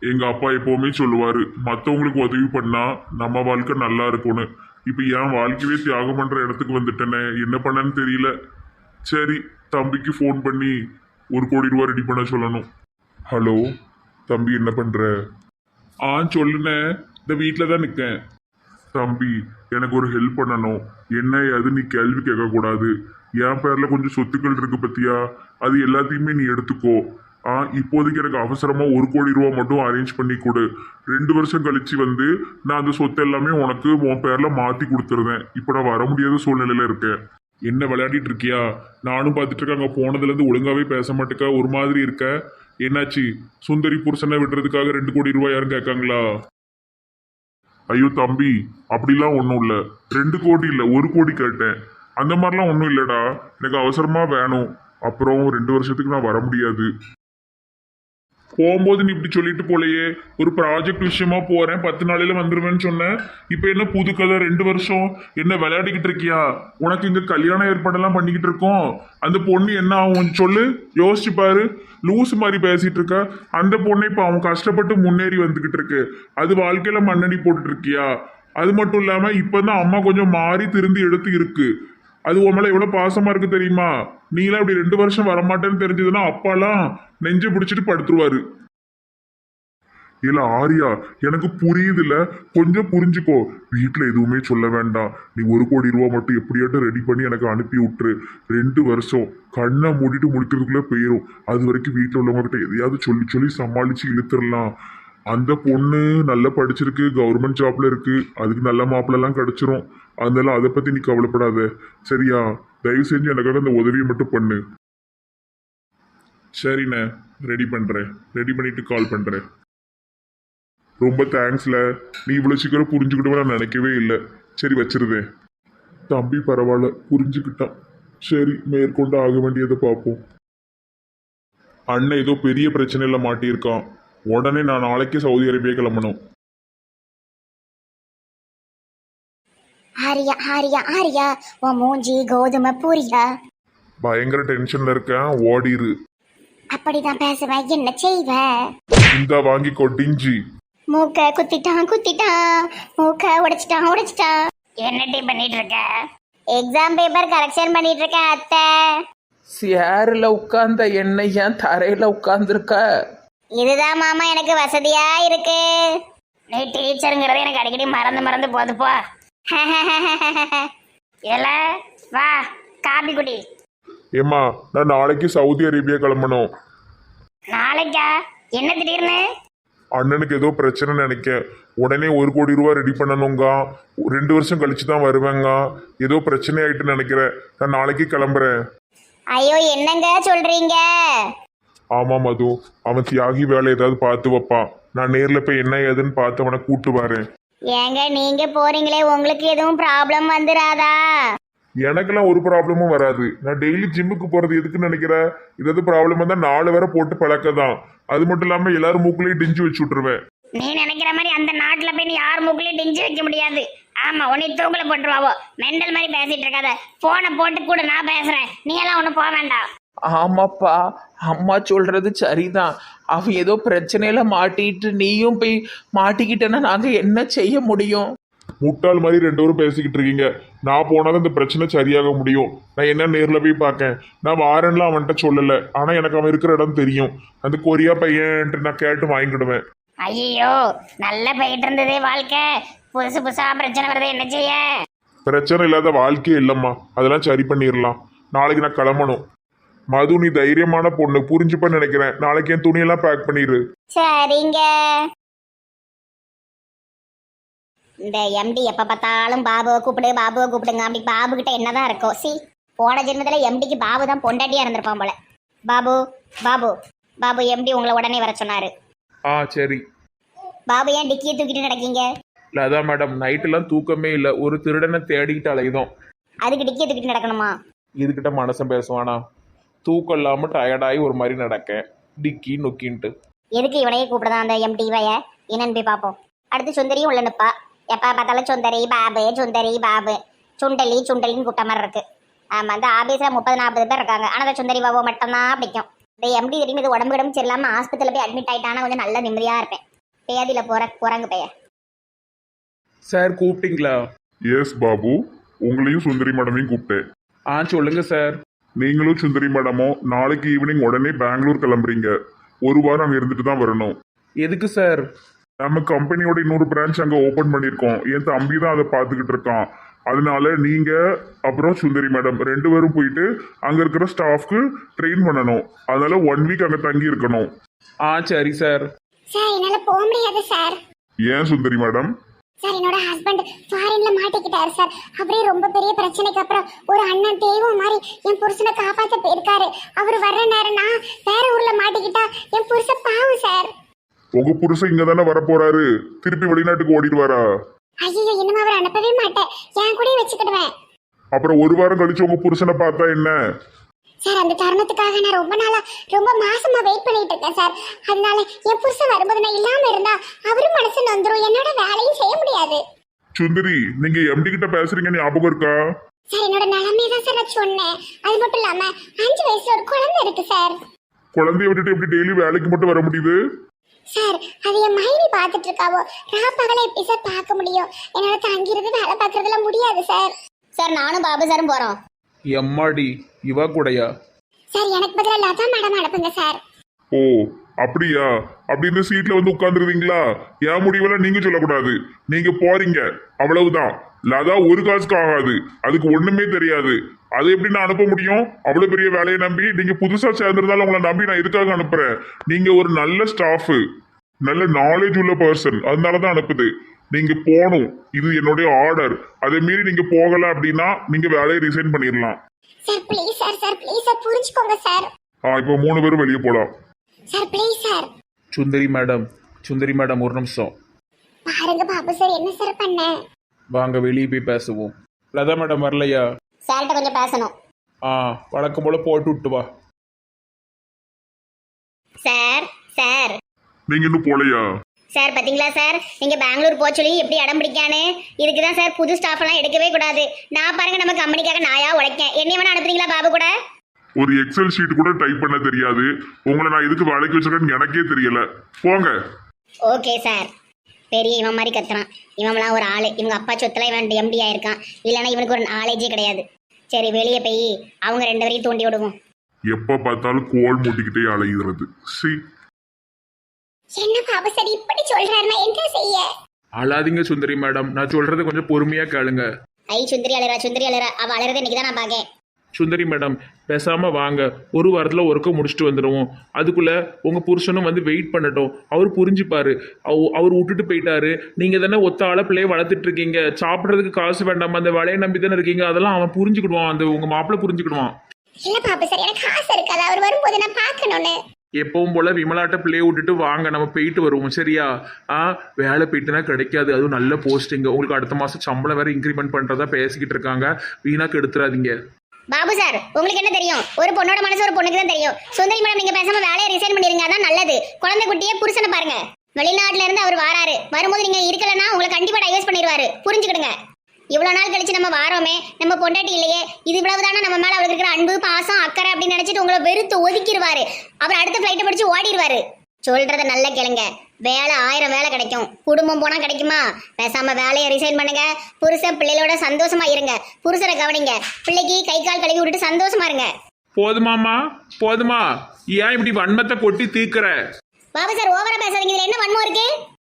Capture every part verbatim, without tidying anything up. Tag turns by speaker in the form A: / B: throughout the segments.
A: எங்க அப்பா எப்பவுமே சொல்லுவாரு, மத்தவங்களுக்கு உதவி பண்ணா நம்ம வாழ்க்கை நல்லா இருக்கும்னு. இப்ப என் வாழ்க்கையே தியாகம் பண்ற இடத்துக்கு வந்துட்டேனே, என்ன பண்ணேன்னு தெரியல. சரி, தம்பிக்கு ஃபோன் பண்ணி ஒரு கோடி ரூபா ரெடி பண்ண சொல்லணும். ஹலோ தம்பி, என்ன பண்ற? ஆ சொல்லுண்ணே, இந்த வீட்டில் தான் நிற்கேன். தம்பி, எனக்கு ஒரு ஹெல்ப் பண்ணணும். என்ன அது நீ கேள்வி கேட்கக்கூடாது. என் பேரில் கொஞ்சம் சொத்துக்கள் இருக்கு பத்தியா, அது எல்லாத்தையுமே நீ எடுத்துக்கோ. ஆ இப்போதைக்கு எனக்கு அவசரமா ஒரு கோடி ரூபா மட்டும் அரேஞ்ச் பண்ணி கொடு. ரெண்டு வருஷம் கழிச்சு வந்து நான் அந்த சொத்து எல்லாமே உனக்கு உன் பேர்ல மாத்தி கொடுத்துருந்தேன். இப்போ நான் வர முடியாத சூழ்நிலையில இருக்கேன். என்ன விளையாடிட்டு இருக்கியா? நானும் பார்த்துட்டு இருக்கேன். அங்கே போனதுலேருந்து ஒழுங்காவே பேச மாட்டேக்கா, ஒரு மாதிரி இருக்க. என்னாச்சு? சுந்தரி புருஷனை விடுறதுக்காக ரெண்டு கோடி ரூபாய் யாரும் கேட்காங்களா? ஐயோ தம்பி, அப்படிலாம் ஒன்றும் இல்லை. ரெண்டு கோடி இல்லை, ஒரு கோடி கேட்டேன். அந்த மாதிரிலாம் ஒன்றும் இல்லைடா. எனக்கு அவசரமாக வேணும். அப்புறம் ரெண்டு வருஷத்துக்கு நான் வர முடியாது. போகும்போது நீ இப்படி சொல்லிட்டு போலையே, ஒரு ப்ராஜெக்ட் விஷயமா போறேன், பத்து நாளையில வந்துருவேன்னு சொன்னேன். இப்போ என்ன புது கதை? ரெண்டு வருஷம் என்ன விளையாடிக்கிட்டு இருக்கியா? உனக்கு இங்க கல்யாண ஏற்பாடெல்லாம் பண்ணிக்கிட்டு இருக்கோம். அந்த பொண்ணு என்ன ஆகும் சொல்லு, யோசிச்சு பாரு. லூஸ் மாதிரி பேசிட்டு இருக்க. அந்த பொண்ணு இப்போ அவன் கஷ்டப்பட்டு முன்னேறி வந்துகிட்டு இருக்கு. அது வாழ்க்கையில மண்ணடி போட்டுட்டு இருக்கியா? அது மட்டும் இல்லாம இப்பதான் அம்மா கொஞ்சம் மாறி திருந்தி எடுத்து இருக்கு. அது உன் மேல எவ்வளவு பாசமா இருக்கு தெரியுமா? நீலாம் இப்படி ரெண்டு வருஷம் வரமாட்டேன்னு தெரிஞ்சதுன்னா அப்பாலாம் நெஞ்சு பிடிச்சிட்டு படுத்துருவாரு. இல்ல ஆரியா, எனக்கு புரியுது இல்ல, கொஞ்சம் புரிஞ்சுக்கோ. வீட்டுல எதுவுமே சொல்ல வேண்டாம். நீ ஒரு கோடி ரூபா மட்டும் எப்படியாட்டும் ரெடி பண்ணி எனக்கு அனுப்பி விட்டுரு. ரெண்டு வருஷம் கண்ணை மூடிட்டு முடிக்கிறதுக்குள்ள போயிடும். அது வரைக்கும் வீட்டுல உள்ளவங்க கிட்ட எதையாவது சொல்லி சொல்லி சமாளிச்சு இழுத்துடலாம். அந்த பொண்ணு நல்லா படிச்சிருக்கு, கவர்மெண்ட் ஜாப்ல இருக்கு, அதுக்கு நல்ல மாப்பிள்ளெல்லாம் கிடைச்சிரும். அதனால அதை பத்தி நீ கவலைப்படாத, சரியா? தயவு செஞ்சு எனக்காக அந்த உதவியை மட்டும் பண்ணு. சரிண்ணே, ரெடி பண்றேன். ரெடி பண்ணிட்டு கால் பண்றேன். ரொம்ப தேங்க்ஸ்ல. நீ இவ்வளவு சீக்கிரம் புரிஞ்சுக்கிட்டு நான் நினைக்கவே இல்லை. சரி வச்சிருதேன். தம்பி பரவாயில்ல, புரிஞ்சுக்கிட்டான். சரி, மேற்கொண்டு ஆக வேண்டியதை பார்ப்போம். அண்ணன் ஏதோ பெரிய பிரச்சனையில மாட்டியிருக்கான். உடனே நான் நாளைக்கு சவுதி அரேபியா கிளம்பணும்.
B: ஆரியா ஆரியா ஆரியா, உன் மூஞ்சி கோதுமை பூரியா?
A: பயங்கர டென்ஷன்ல இருக்கேன், ஓடிரு.
B: அப்படிதான் பேசுவேன், என்ன செய்வ?
A: இந்த வாங்கி கொட்டிஞ்சி.
B: மூக்க குத்திட்டான் குத்திட்டான், மூக்க உடைச்சிட்டான் உடைச்சிட்டான். என்னடி பண்ணிட்டு இருக்க? எக்ஸாம் பேப்பர் கரெக்ஷன் பண்ணிட்டு இருக்க அத்தை.
C: சேரில் உட்கார்ந்த என்ன ஏன் தரையில் உட்கார்ந்துருக்க?
B: இதுதான் மாமா எனக்கு வசதியா இருக்கு. நீ டீச்சருங்கிறது எனக்கு அடிக்கடி மறந்து மறந்து போதுப்போ. இல்ல வா காபி குடி.
A: ஏம்மா, நான் நாளைக்கு சவுதி அரேபியா கிளம்பணும்.
B: நாளைக்கா? என்ன திடீர்னு?
A: அண்ணனுக்கு ஏதோ பிரச்சனை நினைக்க. உடனே ஒரு கோடி ரூபா ரெடி பண்ணணுங்க. ரெண்டு வருஷம் கழிச்சு தான் வருவேங்க. ஏதோ பிரச்சனை ஆயிட்டு நினைக்கிறேன். நான் நாளைக்கு கிளம்புறேன்.
B: ஐயோ என்னங்க சொல்றீங்க?
A: ஆமா மது, அவன் தியாகி வேலை ஏதாவது பார்த்து வைப்பான். நான் நேர்ல போய் என்ன ஏதுன்னு பார்த்து அவனை கூட்டு வரேன்.
B: ஏங்க நீங்க போறீங்களே, உங்களுக்கு எதுவும் ப்ராப்ளம் வந்துராதா?
A: எனக்கெல்லாம் ஒரு ப்ராப்ளமும் வராது. நான் டெய்லி ஜிம்முக்கு போறது எதுக்குன்னு நினைக்கிறேன். ஏதாவது ப்ராப்ளம் வந்தா நாலு வேற போட்டு பழக்கதான். அது மட்டும் இல்லாம எல்லாரும் மூக்குலயும் டிஞ்சு வச்சு விட்டுருவேன்.
B: நீ நினைக்கிற மாதிரி அந்த நாட்டுல போய் நீ யார் மூக்குலயும் டிஞ்சு வைக்க முடியாது. ஆமா, உன்னை தூக்குல போட்டுருவாவோ. மெண்டல் மாதிரி பேசிட்டு இருக்காத. போனை போட்டு கூட நான் பேசுறேன். நீ எல்லாம் ஒன்னும் போக வேண்டாம்.
C: ஆமாப்பா, அம்மா சொல்றது சரிதான். அவன் ஏதோ பிரச்சனையில மாட்டிட்டு நீயும் போய் மாட்டிக்கிட்டேன்னா நாங்க என்ன செய்ய முடியும்?
A: முட்டாள் மாதிரி ரெண்டு பேரும் பேசிக்கிட்டு இருக்கீங்க. நான் போனாதான் இந்த பிரச்சனை சரியாக முடியும். நான் என்ன நேர்ல போய் பார்க்கேன். நான் வாரன்லாம் அவன்கிட்ட சொல்லலை. ஆனா எனக்கு அவன் இருக்கிற இடம் தெரியும். அந்த கொரியா பையன் நான் கேட்டு வாங்கிடுவேன்.
B: ஐயோ, நல்லா போயிட்டு இருந்ததே வாழ்க்கை. புதுசு புதுசா பிரச்சனை வருது, என்ன செய்ய?
A: பிரச்சனை இல்லாத வாழ்க்கையே இல்லம்மா. அதெல்லாம் சரி பண்ணிடலாம். நாளைக்கு நான் கிளம்பணும். மது, நீ தைரியமான பொண்ணு, புரிஞ்சுப்பன்னு நினைக்கிறேன். நாளைக்கு என் துணியெல்லாம் பேக் பண்ணிடு.
B: சரிங்க. இந்த எம்டி எப்ப பார்த்தாலும் பாபுவை கூப்பிடு பாபுவை கூப்பிடுங்க. அப்படி பாபு கிட்ட என்னதான் இருக்கும்? சி, போன ஜென்மத்துல எம்டிக்கு பாபு தான் பொண்டாட்டியா இருந்திருப்பான் போல. பாபு பாபு பாபு, எம்டி உங்களை உடனே வர சொன்னாரு.
C: ஆ சரி.
B: பாபு ஏன் டிக்கியை தூக்கிட்டு நடக்கீங்க?
C: இல்லை அதான் மேடம், நைட்டெல்லாம் தூக்கமே இல்லை. ஒரு திருடனை தேடிக்கிட்டு அலையுதோம்.
B: அதுக்கு டிக்கியை தூக்கிட்டு நடக்கணுமா?
C: இதுகிட்ட மனசன் பேசுவானா? தூக்கம் இல்லாமல் டயர்டாகி ஒரு மாதிரி நடக்கேன், டிக்கி நொக்கின்ட்டு.
B: எதுக்கு இவனையே கூப்பிடுதான் அந்த எம்டி வய? என்னன்னு போய் பார்ப்போம். அடுத்து சுந்தரியும் உள்ள நிப்பா. எப்போ பார்த்தாலும் சுந்தரி பாபு சுந்தரி பாபு, சுண்டலி சுண்டலின்னு கூப்பிட்ட மாதிரி இருக்கு. ஆமாம், அந்த ஆபீஸில் முப்பது நாற்பது பேர் இருக்காங்க. ஆனால் அந்த சுந்தரி பாபு மட்டும்தான் பிடிக்கும். இந்த எம்டி தெரியும். இது உடம்பு கிடம்பு சரியில்லாமல் ஆஸ்பத்திரியில் போய் அட்மிட் ஆகிட்டானா கொஞ்சம் நல்ல நிம்மதியாக இருப்பேன். பேதியில போற குரங்கு பெயர்.
C: சார் கூப்பிட்டீங்களா?
A: எஸ் பாபு, உங்களையும் சுந்தரி மேடமையும் கூப்பிட்டேன்.
C: ஆ சொல்லுங்க சார்.
A: நீங்களும் சுந்தரி மேடமும் நாளைக்கு ஈவினிங் உடனே பெங்களூர் கிளம்புறீங்க. ஒரு வாரம் அங்கே இருந்துட்டு தான் வரணும்.
C: எதுக்கு சார்?
A: நம்ம கம்பெனியோட இன்னொரு பிரான்ச் அங்கே ஓப்பன் பண்ணியிருக்கோம். என் தம்பி தான் அதை பார்த்துக்கிட்டு இருக்கான். அதனால நீங்க அப்புறம் சுந்தரி மேடம் ரெண்டு பேரும் போயிட்டு அங்க இருக்கிற ஸ்டாஃப்க்கு ட்ரெயின் பண்ணணும். அதனால ஒன் வீக் அங்க தங்கி இருக்கணும்.
C: ஆ சரி சார்.
B: சார் என்னால போக முடியாது சார்.
A: ஏன் சுந்தரி மேடம்?
B: சார் என்னோட ஹஸ்பண்ட் ஃபாரின்ல மாட்டிக்கிட்டாரு சார். அப்படியே ரொம்ப பெரிய பிரச்சனைக்கு அப்புறம் ஒரு அண்ணன் தெய்வம் மாதிரி என் புருஷனை காப்பாற்ற போயிருக்காரு. அவர் வர்ற நேரம் நான் வேற ஊர்ல மாட்டிக்கிட்டா என் புருஷன் பாவம் சார்.
A: உங்க புருஷன் இங்க தானே வர போறாரு, திருப்பி வெளிநாட்டுக்கு ஓடிடுவாரா?
B: ஐயோ இனிமே அவர் அனுப்பவே மாட்டேன், என் கூடயே வச்சுக்கிடுவேன்.
A: அப்புறம் ஒரு வாரம் கழிச்சு உங்க புருஷனை பார்த்தா என்ன?
B: சார் அந்த தருணத்துக்காக நான் ரொம்ப நாளா ரொம்ப மாசமா வெயிட் பண்ணிட்டு இருக்கேன் சார். அதனால என் புருஷன் வரும்போது நான் இல்லாம இருந்தா அவரும் மனசு நொந்துரும், என்னோட வேலையும் செய்ய முடியாது.
A: சுந்தரி, நீங்க எம்டி கிட்ட பேசுறீங்க ஞாபகம் இருக்கா?
B: சார் என்னோட நிலைமையை தான் சார் நான் சொன்னேன். அது மட்டும் இல்லாம அஞ்சு வயசுல ஒரு குழந்தை இருக்கு சார்.
A: குழந்தைய விட்டுட்டு எப்படி டெய்லி வேலைக்கு மட்டும் வர முடியுது?
B: சார் அது என் மைனி பார்த்துட்டு இருக்காவோ, ராப்பகல எப்படி சார் பார்க்க முடியும்? என்னால தங்கிருந்து வேலை பார்க்கறதுலாம் முடியாது சார். சார் நானும் பாபு சாரும் போறோம்.
C: எம்மாடி இவா கூடயா?
B: சார் எனக்கு பதிலா லதா மேடம் அனுப்புங்க சார்.
A: ஓ அப்படியா? அப்படி இந்த சீட்ல வந்து உட்கார்ந்துருவீங்களா? என் முடிவெல்லாம் நீங்க சொல்லக்கூடாது. நீங்க போறீங்க அவ்வளவுதான். லதா ஒரு காசுக்கு ஆகாது, அதுக்கு ஒண்ணுமே தெரியாது. அது எப்படி நான் அனுப்ப முடியும்? அவ்வளவு பெரிய வேலையை நம்பி நீங்க புதுசா சேர்ந்திருந்தாலும் உங்களை நம்பி நான் எதுக்காக அனுப்புறேன்? நீங்க ஒரு நல்ல ஸ்டாஃப், நல்ல நாலேஜ் உள்ள பர்சன், அதனாலதான் அனுப்புது. நீங்க போகணும், இது என்னுடைய ஆர்டர். அதே மீறி நீங்க போகல அப்படின்னா நீங்க வேலையை ரிசைன் பண்ணிடலாம்.
B: Sir please sir, sir please sir புரிஞ்சுக்கோங்க சார்.
A: ஆ இப்போ மூணு பேரும் வெளியே போலாம்.
B: Sir please sir.
C: Sundari madam, Sundari madam ஒரு நிமிஷம்
B: பாருங்க பாபு சார் என்ன சார் பண்ண.
C: வாங்க வெளியே போய் பேசுவோம். லதா மேடம் வரலையா?
B: சார்கிட்ட கொஞ்சம் பேசணும்.
C: ஆ வழக்கம் போல போட்டு விட்டு வா.
B: சார் சார்
A: நீங்க இன்னும் போலையா?
B: சார் பாத்தீங்களா சார், நீங்க பெங்களூர் போக சொல்லி எப்படி இடம் பிடிக்கானே. இதுக்குதான் சார் புது ஸ்டாஃப் எல்லாம் எடுக்கவே கூடாது. நான் பாருங்க நம்ம கம்பெனிக்காக நாயா உழைக்கேன். என்னைய வேணா அனுப்புறீங்களா பாபு கூட?
A: ஒரு எக்ஸல் ஷீட் கூட டைப் பண்ண தெரியாது. உங்களை நான் இதுக்கு வேலைக்கு வச்சிருக்கேன்னு எனக்கே தெரியல. போங்க.
B: Okay sir. பெரிய இவன் மாதிரி கத்துறான். இவன்லாம் ஒரு ஆளு. இவங்க அப்பா சொத்துல இவன் எம்டி ஆயிருக்கான். இல்லைன்னா இவனுக்கு ஒரு நாலேஜே கிடையாது. சரி வெளியே போய் அவங்க ரெண்டு பேரையும் தூண்டி விடுவோம்.
A: எப்ப பார்த்தாலும் கோல் மூட்டிக்கிட்டே அலைகிறது. சி
B: என்ன பாபு சார் இப்படி சொல்றாருன்னா என்ன செய்ய?
C: அழாதீங்க சுந்தரி மேடம், நான் சொல்றது கொஞ்சம் பொறுமையா கேளுங்க.
B: ஐ சுந்தரி அழறா, சுந்தரி அழறா. அவ அழறதை இன்னைக்கு தான் நான் பாக்கேன்.
C: சுந்தரி மேடம் பேசாம வாங்க, ஒரு வாரத்தில் ஒர்க்கை முடிச்சுட்டு வந்துடுவோம். அதுக்குள்ள உங்க புருஷனும் வந்து வெயிட் பண்ணட்டும். அவர் புரிஞ்சுப்பாரு. அவ அவர் விட்டுட்டு போயிட்டாரு. நீங்க தானே ஒத்த ஆள பிள்ளைய வளர்த்துட்டு இருக்கீங்க. சாப்பிட்றதுக்கு காசு வேண்டாமா, அந்த வேலையை நம்பி தானே இருக்கீங்க. அதெல்லாம் அவன் புரிஞ்சுக்கிடுவான், அந்த உங்க மாப்பிள்ளை புரிஞ்சுக்கிடுவான்.
B: இல்ல பாபு சார் எனக்கு ஆசை இருக்காது அவர் வரும்போது நான் பார்க்கணும்னு.
C: எப்பவும் போல விமலாட்ட பிள்ளைய விட்டுட்டு வாங்க, நம்ம போயிட்டு வருவோம். சரியா? ஆ வேலை போயிட்டுனா கிடைக்காது, அதுவும் நல்ல போஸ்டிங். உங்களுக்கு அடுத்த மாசம் சம்பளம் வேற இன்க்ரிமெண்ட் பண்றதா பேசிக்கிட்டு இருக்காங்க. வீணாக்கு எடுத்துறாதீங்க.
B: பாபு சார் உங்களுக்கு என்ன தெரியும்? ஒரு பொண்ணோட மனசு ஒரு பொண்ணுக்கு தான் தெரியும். சுந்தரி மேடம் நீங்க பேசாம வேலையை ரிசைன் பண்ணிருங்க, அதான் நல்லது. குழந்தை குட்டியே புருஷனை பாருங்க. வெளிநாட்டுல இருந்து அவர் வாராரு. வரும்போது நீங்க இருக்கலன்னா உங்களை கண்டிப்பா டைவர்ஸ் பண்ணிடுவாரு. புரிஞ்சுக்கிடுங்க. இவ்வளவு நாள் கழிச்சு நம்ம வாரோமே, நம்ம பொண்டாட்டி இல்லையே, இது இவ்வளவுதானா நம்ம மேல அவருக்கு இருக்கிற அன்பு பாசம் அக்கறை அப்படின்னு நினைச்சிட்டு உங்களை வெறுத்து ஒதுக்கிடுவாரு. அவர் அடுத்த பிளைட்டை பிடிச்சு ஓடிடுவாரு. சொல்றத நல்ல கேளுங்க. வேலை ஆயிரம் வேலை கிடைக்கும், குடும்பம் போனா கிடைக்குமா? பேசாம வேலையை ரிசைன் பண்ணுங்க. புருஷன் பிள்ளைகளோட சந்தோஷமா இருங்க. புருஷரை கவனிங்க. பிள்ளைக்கு கை கால் கழுவி விட்டுட்டு சந்தோஷமா இருங்க.
C: போதுமாமா போதுமா? ஏன் இப்படி வன்மத்தை கொட்டி தீக்குற?
B: பாபு சார் ஓவரா பேசாதீங்க. இதுல என்ன வன்மம் இருக்கு?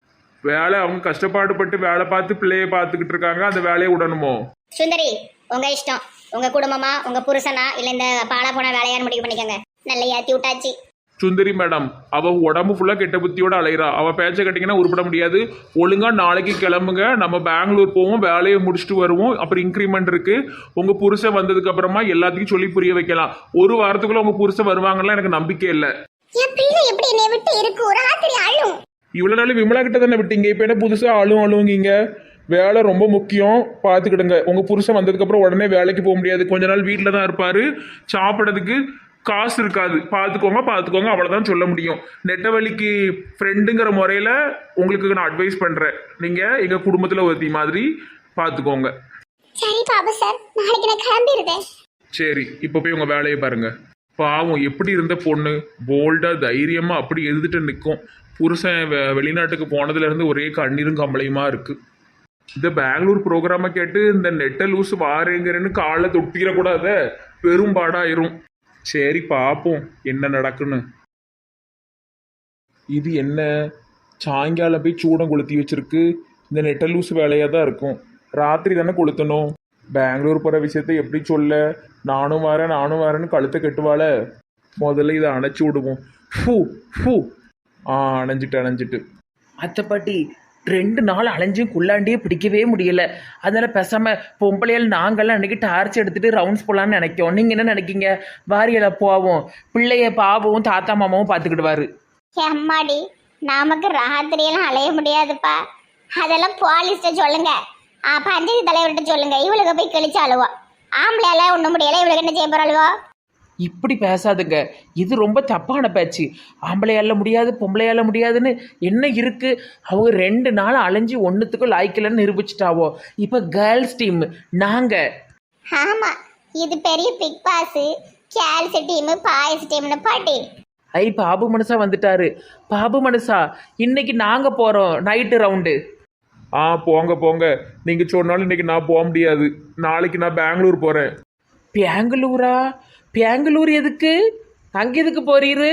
C: வேலை அவங்க கஷ்டப்பாடுபட்டு வேலை பார்த்து பிள்ளைய பார்த்துக்கிட்டு இருக்காங்க, அந்த வேலையை விடணுமோ?
B: சுந்தரி உங்க இஷ்டம். உங்க குடும்பமா உங்க புருஷனா இல்ல இந்த பாலா போன வேலையான்னு முடிவு பண்ணிக்கோங்க. நல்ல ஏத்தி விட்டாச்சு.
C: சுந்தரி மேடம் அவ உடம்பு ஃபுல்லா கெட்ட புத்தியோட அலைகிறா. அவ பேச்ச கட்டிங்கன்னா உருப்பட முடியாது. ஒழுங்கா நாளைக்கு கிளம்புங்க, நம்ம பெங்களூர் போவோம், வேலையை முடிச்சுட்டு வருவோம். அப்புறம் இன்க்ரிமெண்ட் இருக்கு. உங்க புருஷன் வந்ததுக்கு அப்புறமா எல்லாத்தையும் சொல்லி புரிய வைக்கலாம். ஒரு வாரத்துக்குள்ள உங்க புருஷன் வருவாங்கலாம் எனக்கு நம்பிக்கை இல்லை.
B: என் பிள்ளை எப்படி என்னை விட்டு இருக்கு? ராத்திரி அழும்.
C: இவ்வளவு நாள் விமலா கிட்ட தானே விட்டீங்க, இப்ப என்ன புதுசா அழுவும் அழுவுங்கீங்க? வேலை ரொம்ப முக்கியம், பார்த்துக்கிடுங்க. உங்க புருஷன் வந்ததுக்கு அப்புறம் உடனே வேலைக்கு போக முடியாது. கொஞ்ச நாள் வீட்டில தான் இருப்பாரு. சாப்பிட்றதுக்கு காசு இருக்காது. பார்த்துக்கோங்க பார்த்துக்கோங்க அவ்வளோதான் சொல்ல முடியும். நெட்டவழிக்கு ஃப்ரெண்டுங்கிற முறையில் உங்களுக்கு நான் அட்வைஸ் பண்ணுறேன். நீங்கள் எங்கள் குடும்பத்தில் ஒருத்தி மாதிரி பார்த்துக்கோங்க.
B: சரி பாபு சார், நாளைக்கு நான் கிளம்பிடுறேன்.
C: சரி இப்போ போய் உங்கள் வேலையை பாருங்க. பாவம் எப்படி இருந்த பொண்ணு போல்டாக தைரியமாக அப்படி எழுதிட்டு நிற்கும். புருஷன் வெ- வெளிநாட்டுக்கு போனதுலேருந்து ஒரே கண்ணீரும் கம்பளையுமா இருக்குது. இந்த பெங்களூர் ப்ரோக்ராமை கேட்டு இந்த நெட்டை லூஸ் வாரேங்கிறேன்னு காலை தொட்டிடக்கூடாத, பெரும்பாடாயிரும். சரி பார்ப்போம் என்ன நடக்குன்னு. இது என்ன சாயங்காலம் போய் சூடம் கொளுத்தி வச்சிருக்கு. இந்த நெட்டை லூஸ் வேலையாக தான் இருக்கும். ராத்திரி தானே கொளுத்தணும். பெங்களூர் போகிற விஷயத்த எப்படி சொல்ல? நானும் வரேன் நானும் வரேன்னு கழுத்தை கட்டுவாள. முதல்ல இதை அணைச்சி விடுவோம். ஃபூ ஃபூ ஆ அணைஞ்சிட்டு அணைஞ்சிட்டு
D: அத்தை பாட்டி ரெண்டு நாள் அலைஞ்சும் குள்ளாண்டியே பிடிக்கவே முடியல. அதனால பேசாம பொம்பளையால் நாங்கள்லாம் அன்னைக்கு டார்ச் எடுத்துட்டு ரவுண்ட்ஸ் போலான்னு நினைக்கோம். நீங்க என்ன நினைக்கீங்க? வாரியல போவோம், பிள்ளைய பாபுவும் தாத்தா மாமாவும் பார்த்துக்கிடுவாரு.
B: அம்மாடி, நமக்கு ராத்திரியெல்லாம் அலைய முடியாதுப்பா. அதெல்லாம் போலீஸ்ட சொல்லுங்க, ஆ பஞ்சாயத்து தலைவர்கிட்ட சொல்லுங்க. இவளுக்கு போய் கிழிச்சு அழுவா. ஆம்பளையால ஒண்ணும் முடியல, இவளுக்கு என்ன செய்ய போற அழுவா?
D: இப்படி பேசாதுங்க, இது ரொம்ப தப்பான பேச்சு. ஆம்பளையால முடியாது பொம்பளையால முடியாதுன்னு என்ன இருக்கு? அவங்க ரெண்டு நாள் அலைஞ்சு ஒன்றுத்துக்கும் லாய்க்கலன்னு நிரூபிச்சிட்டாவோ. இப்போ கேர்ள்ஸ் டீம் நாங்க.
B: ஆமா, இது பெரிய big boss, girls team, boys டீம்னு பாட்டி.
D: ஐ பாபு மனுஷா வந்துட்டாரு. பாபு மனுஷா இன்னைக்கு நாங்க போறோம் நைட்டு ரவுண்டு.
C: ஆ போங்க போங்க. நீங்கள் சொன்னாலும் இன்னைக்கு நான் போக முடியாது. நாளைக்கு நான் பெங்களூர் போகிறேன்.
D: பெங்களூரா? பெங்களூர் எதுக்கு? அங்க எதுக்கு போறீரு?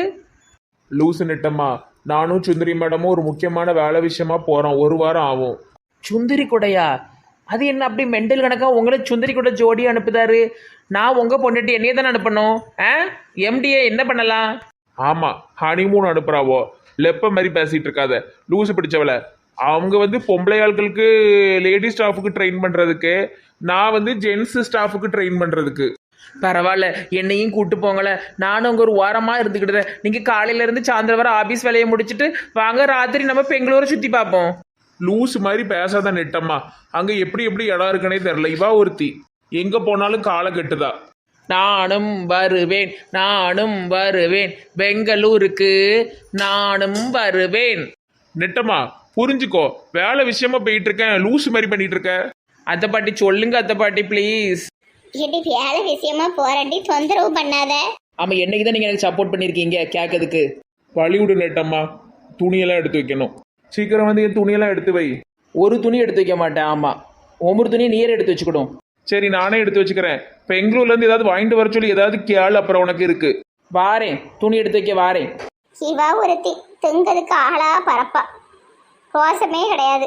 C: லூசு நெட்டம்மா, நானும் சுந்தரி மேடமும் ஒரு முக்கியமான வேலை விஷயமா போகிறோம். ஒரு வாரம் ஆகும்.
D: சுந்தரி கொடையா? அது என்ன அப்படி மெண்டல் கணக்கா உங்களை சுந்தரி கூட ஜோடி அனுப்புதாரு? நான் உங்க பொண்ணுட்டு என்னையே தானே அனுப்பணும். ஆ எம்டிஏ என்ன பண்ணலாம்?
C: ஆமாம், ஹனிமூன் அனுப்புகிறாவோ. லெப்ப மாதிரி பேசிகிட்டு இருக்காத, லூசு பிடிச்சவளை. அவங்க வந்து பொம்பளை ஆட்களுக்கு லேடி ஸ்டாஃபுக்கு ட்ரெயின் பண்ணுறதுக்கு, நான் வந்து ஜென்ஸ் ஸ்டாஃபுக்கு ட்ரெயின் பண்ணுறதுக்கு.
D: பரவாயில்ல, என்னையும் கூட்டு போங்களேன். நானும் அங்கே ஒரு வாரமாக இருந்துக்கிட்டுறேன். நீங்கள் காலையிலேருந்து சாயந்தரம் வர ஆஃபீஸ் வேலையை முடிச்சுட்டு வாங்க, ராத்திரி நம்ம பெங்களூரை சுற்றி பார்ப்போம்.
C: லூசு மாதிரி பேசாத நெட்டம்மா. அங்கே எப்படி எப்படி இடம் இருக்குன்னே தெரில. இவா ஒருத்தி எங்கே போனாலும் காலை கட்டுதா.
D: நானும் வருவேன் நானும் வருவேன் பெங்களூருக்கு நானும் வருவேன்.
C: நெட்டம்மா புரிஞ்சுக்கோ, வேலை விஷயமா போயிட்டு இருக்கேன். லூசு மாதிரி பண்ணிட்டு இருக்க.
D: அத்தை பாட்டி சொல்லுங்க அத்தை பாட்டி ப்ளீஸ்.
B: இடி வேலை விஷயமா போராட்டி தொந்தரவு பண்ணாத.
D: ஆமாம், என்னைக்கு தான் நீங்கள் எனக்கு சப்போர்ட் பண்ணியிருக்கீங்க கேட்கறதுக்கு.
C: பழிவிடு நெட்டம்மா, துணியெல்லாம் எடுத்து வைக்கணும். சீக்கிரம் வந்து என் துணியெல்லாம் எடுத்து வை.
D: ஒரு துணி எடுத்து வைக்க மாட்டேன். ஆமாம், ஒவ்வொரு துணியை நீர் எடுத்து வச்சுக்கிடும்.
C: சரி நானே எடுத்து வச்சுக்கிறேன். பெங்களூர்லேருந்து ஏதாவது வாங்கிட்டு வர சொல்லி ஏதாவது கேள், அப்புறம் உனக்கு இருக்கு.
D: வாரேன், துணி எடுத்து வைக்க வாரேன்.
B: சிவா ஒருத்தி திங்கிறதுக்கு ஆளா பரப்பா, ரோசமே கிடையாது.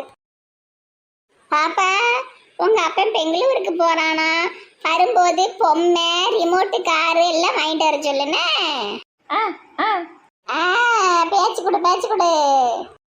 B: பாப்பா, உங்க அப்பன் பெங்களூருக்கு போறானா? வரும்போது பொம்மை, ரிமோட்டு, காரு எல்லாம் வாங்கிட்டு வர சொல்லுனே. ஆ பேச்சு கொடு பேச்சு கொடு.